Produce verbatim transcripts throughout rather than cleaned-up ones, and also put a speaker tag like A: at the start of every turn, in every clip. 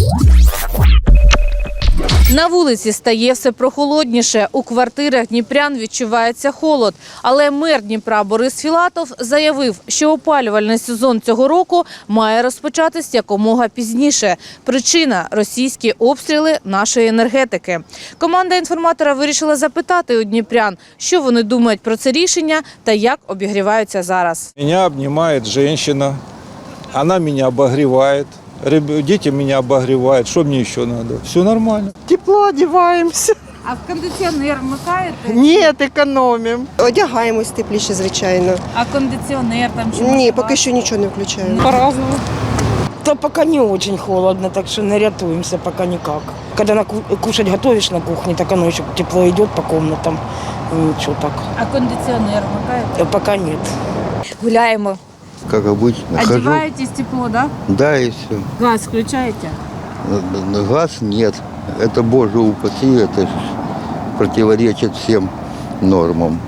A: На вулиці стає все прохолодніше. У квартирах дніпрян відчувається холод. Але мер Дніпра Борис Філатов заявив, що опалювальний сезон цього року має розпочатись якомога пізніше. Причина – російські обстріли нашої енергетики. Команда інформатора вирішила запитати у дніпрян, що вони думають про це рішення та як обігріваються зараз.
B: Меня обнимает женщина, она меня обогревает. Дети меня обогревают. Что мне еще надо? Все нормально.
C: Тепло одягаємося.
A: А в кондиціонер вмикаєте?
C: Ні, економимо.
D: Одягаємось тепліше, звичайно.
A: А кондиціонер там чи
D: Ні, поки що нічого не включаємо.
C: По-разному.
E: Да пока не очень холодно, так что не рятуемся пока никак. Когда на ку- кушать готовишь на кухне, так оно еще тепло идет по комнатам. И ничего так.
A: А кондиціонер вмикаєте?
E: Э, Пока нет.
A: Гуляємо.
F: Как обычно. Хожу.
A: Одеваетесь тепло, да?
F: Да, и все.
A: Газ включаете?
F: Газ нет. Это, боже упаси, это ж противоречит всем нормам.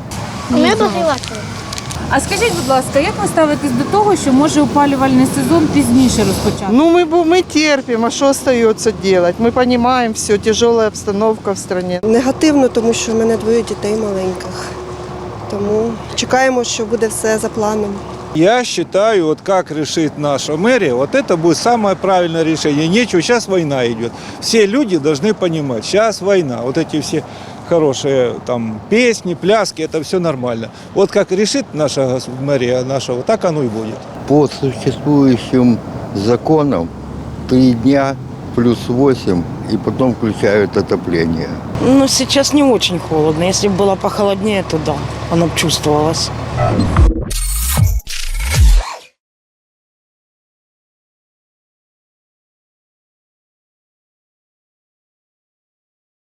A: А скажіть, будь ласка, як ви ставитесь до того, що може опалювальний сезон пізніше розпочати?
C: Ну, ми, бу- ми терпимо, а що остається робити? Ми розуміємо, все, тяжела обстановка в країні.
D: Негативно, тому що в мене двоє дітей маленьких. Тому чекаємо, що буде все за планом.
B: Я считаю, вот как решит наша мэрия, вот это будет самое правильное решение. Нечего, сейчас война идет. Все люди должны понимать, сейчас война. Вот эти все хорошие там песни, пляски, это все нормально. Вот как решит наша гос- мэрия наша, вот так оно и будет.
F: По существующим законам три дня плюс восемь, и потом включают отопление.
E: Но сейчас не очень холодно. Если бы было похолоднее, то да, оно бы чувствовалось.